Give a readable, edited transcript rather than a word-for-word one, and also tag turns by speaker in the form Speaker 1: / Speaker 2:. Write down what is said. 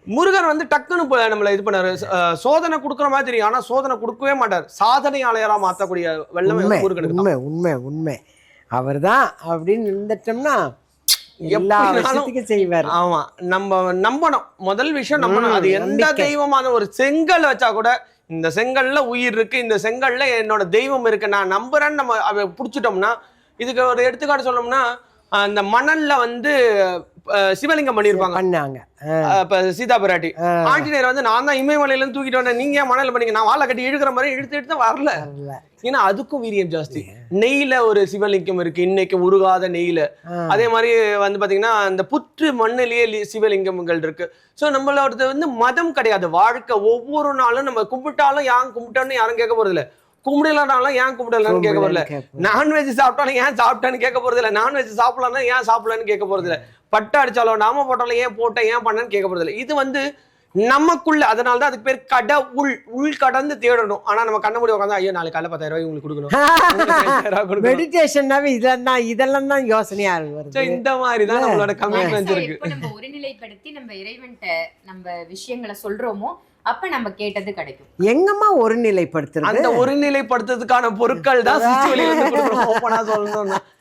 Speaker 1: முருகர் வந்து டக்குன்னு நம்மள இது பண்ணாரு. சோதனை கொடுக்குற மாதிரி தெரியும், ஆனா சோதனை கொடுக்கவே மாட்டார். சாதனையாளரா மாத்தக்கூடிய வல்லமை முருகனுக்கு.
Speaker 2: உண்மை உண்மை உண்மை. அவர் தான் அப்படின்னு இருந்துட்டோம்னா எல்லா விஷயத்துக்கும் செய்வார்.
Speaker 1: ஆமா, நம்ம நம்பணும். முதல் விஷயம் நம்பணும். அது எந்த தெய்வமான ஒரு செங்கல் வச்சா கூட இந்த செங்கல்ல உயிர் இருக்கு, இந்த செங்கல்ல என்னோட தெய்வம் இருக்கு, நான் நம்புறேன்னு நம்ம அதை புடிச்சிட்டோம்னா. இதுக்கு ஒரு எடுத்துக்காட்டு சொல்லணும்னா, அந்த மணல்ல வந்து சிவலிங்கம் பண்ணிருப்பாங்க
Speaker 2: பண்ணாங்க.
Speaker 1: இப்ப சீதா பிராட்டி. ஆஞ்சநேயர் வந்து நான் தான் இமயமலையில இருந்து தூக்கிட்டு வந்தேன், நீங்க ஏன் மணல் பண்ணீங்க, நான் வாழை கட்டி இழுக்கிற மாதிரி இழுத்து வரல. ஏன்னா அதுக்கும் வீரியம் ஜாஸ்தி. நெய்ல ஒரு சிவலிங்கம் இருக்கு இன்னைக்கு, உருகாத நெய்ல. அதே மாதிரி வந்து பாத்தீங்கன்னா அந்த புற்று மண்ணிலேயே சிவலிங்கங்கள் இருக்கு. சோ நம்மளோட வந்து மதம் கிடையாது, வாழ்க்கை. ஒவ்வொரு நாளும் நம்ம கும்பிட்டாலும் ஏன் கும்பிட்டோன்னு யாரும் கேட்க போறது இல்ல, கும்பிடலாம்னாலும் ஏன் கும்பிடலாம்னு கேட்க போறதில்ல. நான்வெஜ் சாப்பிட்டாலும் ஏன் சாப்பிட்டான்னு கேட்க போறது இல்ல, நான்வெஜ் சாப்பிடலாம்னா ஏன் சாப்பிடலான்னு கேட்க போறது இல்ல, பட்டை அடிச்சாலும் நாம போட்டாலும் ஏன் போட்ட ஏன் பண்ணன்னு கேட்க போறது இல்லை. இது வந்து நமக்குள்ள. அதனாலதான் அதுக்கு பேர் கடவுள். உள் கடந்து தேடணும். ஆனா நம்ம கண்ண மூடி உட்காந்து ஐயோ நாளைக்கு காலைல 10,000 ரூபாய் உங்களுக்கு கொடுக்கணும்.
Speaker 2: மெடிடேஷன்னாவே இதெல்லாம் தான் யோசனையா இருக்கு.
Speaker 1: இந்த மாதிரி தான் நம்மளோட கமிட்மெண்ட் இருக்கு.
Speaker 3: நம்ம ஒருநிலைப்படுத்தி நம்ம இறைவன்ட்ட நம்ம விஷயங்களை சொல்றோமோ அப்ப நம்ம கேட்டது கிடைக்கும்.
Speaker 2: எங்கம்மா ஒருநிலைப்படுத்துறது?
Speaker 1: அந்த ஒருநிலைப்படுத்துறதுக்கான பொருட்கள் தான் சிச்சுவலி வந்து கொடுக்கணும். ஓப்பனா சொல்லணும்னா